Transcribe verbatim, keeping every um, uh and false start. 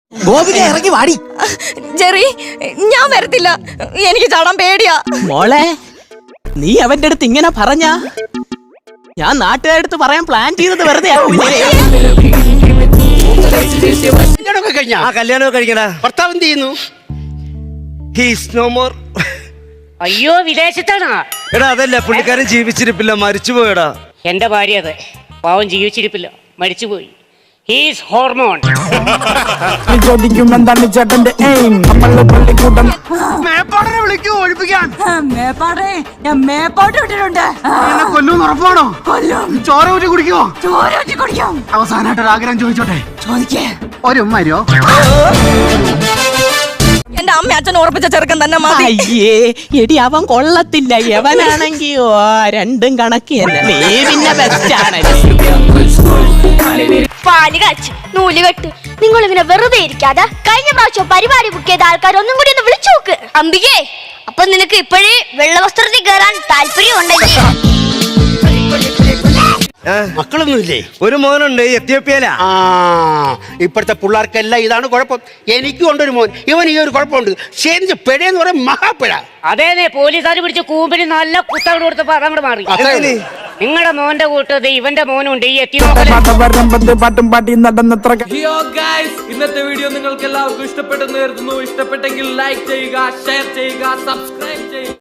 ഗോപിക ഇറങ്ങി വാടി. ജെറി, ഞാൻ വരത്തില്ല, എനിക്ക് ചാടാൻ പേടിയാ. മോളെ, നീ അവന്റെ അടുത്ത് ഇങ്ങനെ പറഞ്ഞ ഞാൻ നാട്ടുകാരടുത്ത് പറയാൻ പ്ലാൻ ചെയ്തത് വെറുതെ കല്യാണമൊക്കെ കഴിക്കണ ഭർത്താവ് എന്ത് ചെയ്യുന്നു? അയ്യോ, വിദേശത്താണോ? എടാ അതല്ല, പുള്ളിക്കാരൻ ജീവിച്ചിരിപ്പില്ല, മരിച്ചുപോയടാ. എന്റെ ഭാര്യ അതെ, പാവം ജീവിച്ചിരിപ്പില്ല, മരിച്ചുപോയി. He's hormone. ചോദിക്കുമെന്താണ് ചേട്ടന്റെ എയിം? നമ്മള് പള്ളിക്കൂട്ടം മേപ്പാടിനെ വിളിക്കൂ, ഒഴിപ്പിക്കാൻ. മേപ്പാടേ, ഞാൻ മേപ്പാട്ട് വിട്ടിട്ടുണ്ട്. കൊല്ലൂന്ന് ഉറപ്പാണോ? കൊല്ലും. ചോര ഊറ്റി കുടിക്കുവോ? ചോര ഊറ്റി കുടിക്കും. അവസാനമായിട്ട് ഒരു ആഗ്രഹം ചോദിച്ചോട്ടെ? ചോദിക്കേ. ഒരു ഉമ്മ വരുവോ? എന്റെ അമ്മ അച്ഛൻ ഉറപ്പിച്ച ചെറുക്കൻ തന്നെ മതി. അയ്യേ എടി, അവൻ കൊള്ളത്തില്ല. എവനാണെങ്കിയോ രണ്ടും കണക്ക് തന്നെ. നീ പിന്നെ ബെസ്റ്റ് ആണല്ലേ. പാല് കാച്ച് നൂല് കെട്ട്. നിങ്ങൾ ഇങ്ങനെ വെറുതെ ഇരിക്കാതെ കഴിഞ്ഞ പ്രാവശ്യം പരിപാടി ബുക്ക് ചെയ്ത ആൾക്കാർ ഒന്നും കൂടി ഒന്ന് വിളിച്ചു നോക്ക്. അംബികേ, അപ്പൊ നിനക്ക് ഇപ്പോഴേ വെള്ളവസ്ത്രത്തിൽ കയറാൻ താല്പര്യം ഉണ്ടെങ്കിൽ മക്കളൊന്നുമില്ലേ? ഒരു മോനുണ്ട്, എത്യോപ്യയിലാ. ആ, ഇപ്പോഴത്തെ പിള്ളേർക്കെല്ലാം ഇതാണ് കുഴപ്പം. എനിക്കും ഉണ്ടൊരു മോൻ, ഇവൻ ഈ ഒരു കുഴപ്പമുണ്ട്. ശരി, പെഴയെന്ന് പറയും മഹാപ്പിഴ. അതേനെ, പോലീസുകാർ പിടിച്ച് കൂമ്പിന് നല്ല കുത്തവിടെ കൊടുത്തപ്പോ അതങ്ങോട്ട് മാറി. നിങ്ങളുടെ മോന്റെ കൂട്ടത് ഇവന്റെ മോനുണ്ട്, ഈ എത്തിയോക്കല്. പാട്ടും പാട്ടി നടന്നത്ര. ഹിയോ ഗൈസ്, ഇന്നത്തെ വീഡിയോ നിങ്ങൾക്ക് എല്ലാവർക്കും ഇഷ്ടപ്പെട്ടെന്ന് കരുതുന്നു. ഇഷ്ടപ്പെട്ടെങ്കിൽ ലൈക്ക് ചെയ്യുക, ഷെയർ ചെയ്യുക, സബ്സ്ക്രൈബ് ചെയ്യുക.